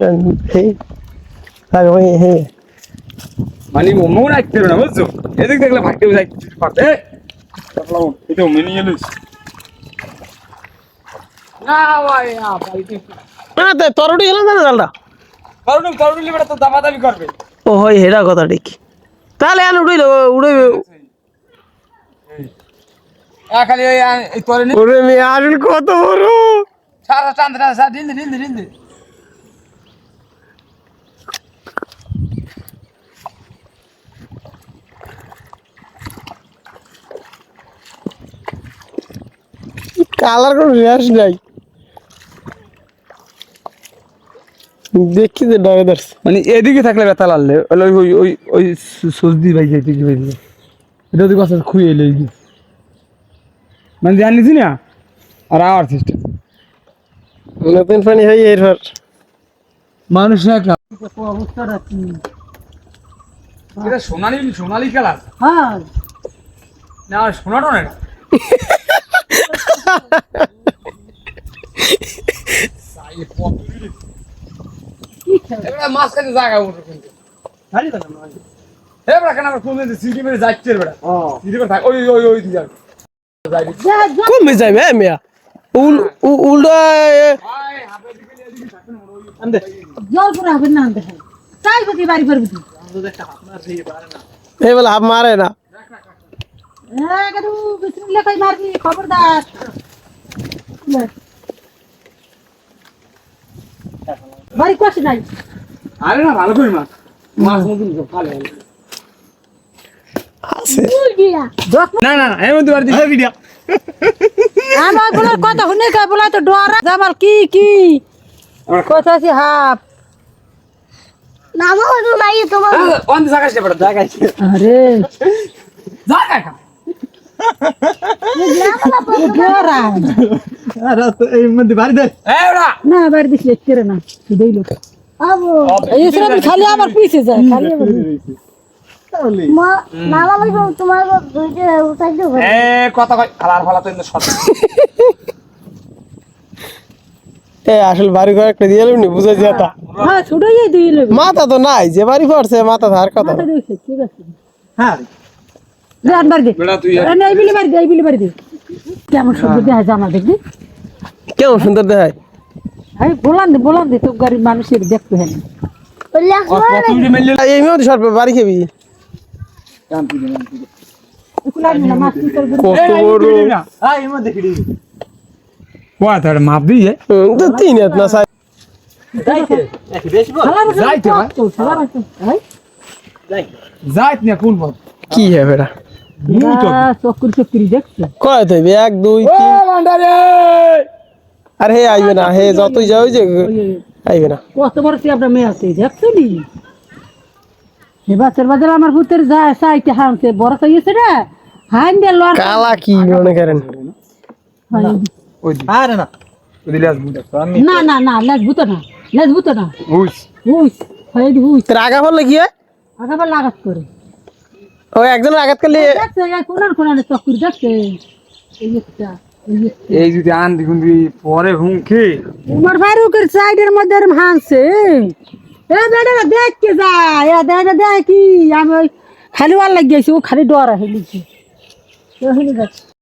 হে আরে ওই হে মানে মন রাখতে না বুঝছো এদিক দেখলে ভাগতে যাই পারতে এটা মেনে এলিস না ভাই না ভাই না তে তরুটি গেলাম না জালটা তরুণ লিবেটা তো দামাদামি করবে ও হয় হেডা কথা ঠিক তাহলে আন উড়াইলো উড়াই খালি এই তোরে নি ওরে মে আর কত বড় সারা চান্দরা সা ঢিল কালার কোন রেশ নাই দেখি যে ডরে ধরছে মানে এদিকে থাকলে ব্যথা লাগলে ওই ওই ওই ওই সজদি ভাই যাইতে কি ভাই এটা তো কথা খুই এলে মানে জানিস না আর আওয়ার সিস্টেম নতুন পানি হয় এরপর মানুষ না অবস্থাটা কি এটা সোনালি কালার হ্যাঁ না সোনাটা না এবারে মাঝখানে জায়গা উঠে কিন্তু খালি তো না এবারে কেন আমরা কোন সিটি মেরে যাচ্ছে এবারে সিটি মেরে থাক ওই ওই ওই দিকে কমে যাবে মিয়া উল্টা ভাই হাতে দিকে এদিকে থাকবে না ওই আন্দে জল করে হবে না আনতে হয় তাই বুঝি বাড়ি করবি তুই আমাদের একটা আপনার সেই পারে না এই বলে হাফ মারে না হ্যাঁ কাদু বিসমিল্লাহ কই মারবি খবরদার বাড়ি কষ্ট নাই আরে না ভালো করি মাছ মাছ মতন ভালো আছে না না এই মধ্যে বাড়ি দিই ভিডিও আমার বলার কথা শুনে কে বলা তো ডরা জামাল কি কথা আছে হাফ নামও তো নাই তোমার অন জায়গায় পড়া জায়গায় আরে জায়গায় ডরা আরে তো এই মধ্যে বাড়ি দে এই ওরা না বাড়ি দিস লেখতে না দেই লোক আবু এই সব খালি আমার পিছে যায় খালি আমার মা নালা লাগবে তোমার দুইটা উঠাই দেব এ কথা কই খালার ফালা তো ইন্দু শর্ট এ আসল বাড়ি ঘর একটা দিয়ে নি বুঝা যেতা হ্যাঁ ছুটাই দিই লোক মাথা তো নাই যে বাড়ি পড়ছে মাথা ধার কথা মাথা দিছে ঠিক আছে হ্যাঁ জান বাড়ি দে বেটা তুই আরে এই বিলি বাড়ি দে কেমন সুন্দর দেখা জামা দেখবি কেমন সুন্দর দেখায় এই বলান দে তো গরিব মানুষের দেখতে হয় না বললে কত উড়ে মেললে এই মেয়ে সরবে বাড়ি খেবি কাম তুই না এগুলা না মাছ কি করবি কত বড় আই এর মধ্যে দেখি কোয়া তার মাপ দিয়ে তো তিন হাত না সাই যাইতে একটু বেশি বল যাইতে ভাই যাইত না কোন বল কি হে বেটা চক্করি দেখছে কয় তো 1 2 ও 3 ভান্ডারে আরে হে আইবে না হে যতই যাও যে আইবে না কত বড় কি আপনার মেয়ে আছে দেখছো নি এ বাচ্চার বাজার আমার পুতের যায় সাইতে হামছে বড় তো ইয়েছে রে হান দে লর কালা কি মনে করেন ওই আরে না ওই দিলে আসবো আমি না লেজবুত না বুঝ উইস হয় উইস রাগা বললে কি হয় আগাবার লাগাত করে ওই একজন আঘাত করলে দেখছে এই কোনার চক্করি দেখছে এই একটা এই যদি আন দেখুন পরে হুমকে উমর ফারুকের সাইডের মধ্যে হানছে এ বেটা দেখ কে যায় এ দেখ কি আমি খালি ওয়ার লাগিয়েছি ও খালি ডরা হেলিছে